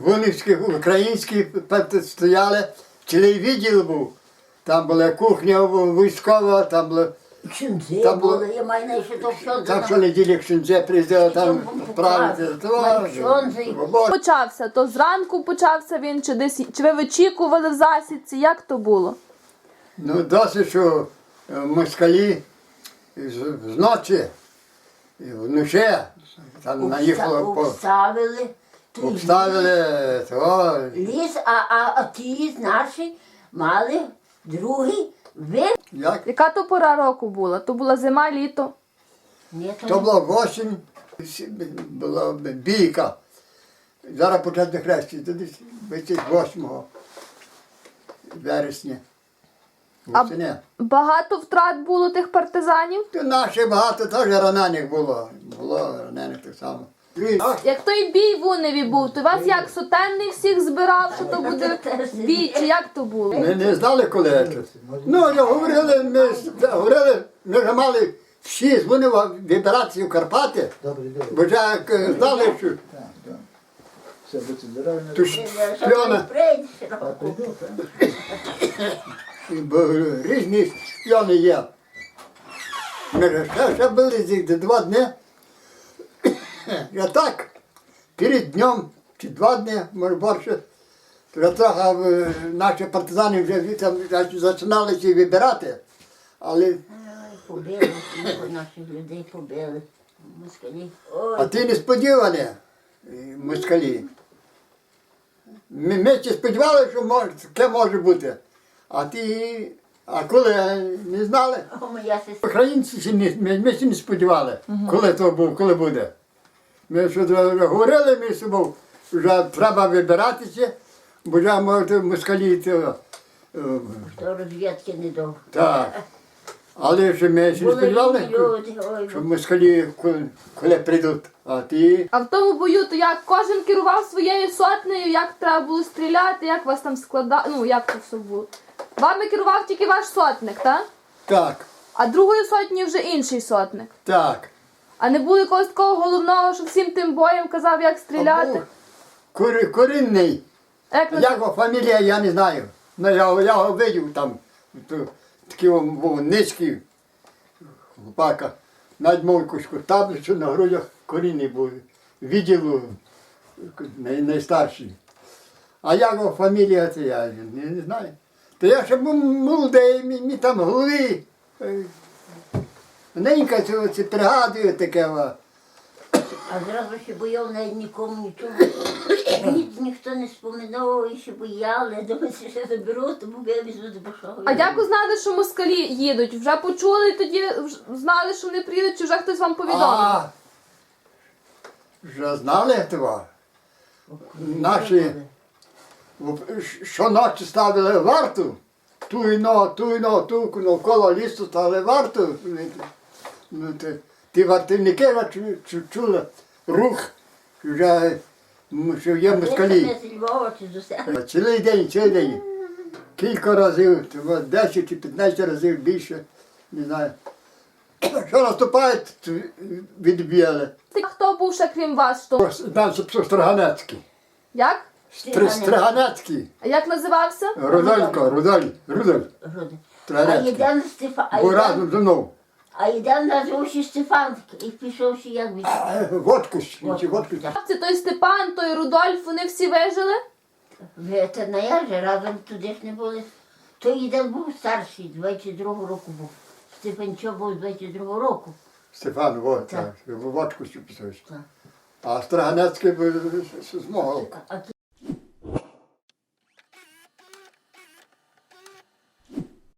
Вунівські, українські стояли, цілий відділ був. Там була кухня військова, там було. Кшинці Там були, я маю на що то все. Там щонеділі кшинці приїздили, там правити. Почався, то зранку почався він, чи десь, чи ви вичікували в засідці, як то було? Ну, досить, що москалі зночі, вночі, там наїхало, Обставили. обставили, то, Ліс, а ті наші мали другий вид. як? Яка то пора року була? То була зима, літо? Ні, То була осінь, була бійка. Зараз почати хрещі, то десь 28 вересня. Восени. Багато втрат було тих партизанів? То наші багато теж ранених було. Було ранених так само. Як той бій в Уневі був, то вас як сотенний всіх збирав, що то буде бій, чи як то було? Ми не знали, коли це. Ну, ми вже мали всі дзвонили вибиратися в Карпати, бо вже знали, що то шпіони, бо різні шпіони є. Ми ж ще були за 2 дні. Я так, перед днем, чи 2 дні, може більше, вже трохи наші партизани вже там починалися вибирати, але... Побили, наших людей побили. Москалі. А ти несподівані, москалі. Ми ще сподівалися, що таке може бути. А коли не знали, Моя сестра. українці ще ми ще не сподівали, коли буде. Ми що говорили між собою, вже треба вибиратися, бо вже може москалі. То розвідки не дав. Так. Але ж ми ще не сподівалися, що москалі коли прийдуть. А в тому бою, то як кожен керував своєю сотнею, як треба було стріляти, як вас там складали, ну як це все було? Вами керував тільки ваш сотник, так? Так, А другою сотнею вже інший сотник. так. А не було якогось такого головного, що всім тим боєм казав, як стріляти? Корінний. Як Як його фамілія, я не знаю. Ну, я його видів там. Такий він був низький хлопака. Навіть мав якусь таблицю на грудях, корінний був. Відділу найстарший. А як його фамілія, це я не знаю. То я ще був молодий, мені там в голові. Ненька це пригадує таке. А зразу ще бояв, навіть нікому нічого. Ніхто не споминав, і ще бояли. Думаю, що заберу, тому я візьму до Башого. А як узнали, що москалі їдуть? Вже почули тоді, знали, що вони приїдуть, чи вже хтось вам повідомив? Вже знали того. Наші щоночі ставили варту. Ту навколо лісу ставили варту. Ті вартівники чули рух, що є москалі. Цілий день. Кілька разів, 10 чи 15 разів більше, не знаю. Що наступають, відбігали. Хто був ще крім вас? Що? Далі Строганецький. Як? Строганецький. А як називався? Рудоль. А йдемо Стефан. Бо разом зі мною. А йдемо назвав ще Стефан, і пішов ще як від... Водку. Це той Степан, той Рудольф, вони всі вижили? Це не я же, разом туди ж не були. Той йдемо був старший, 22-го року був. Степанчо був 22-го року. Стефан, водку писав. А Строганецький був з мого.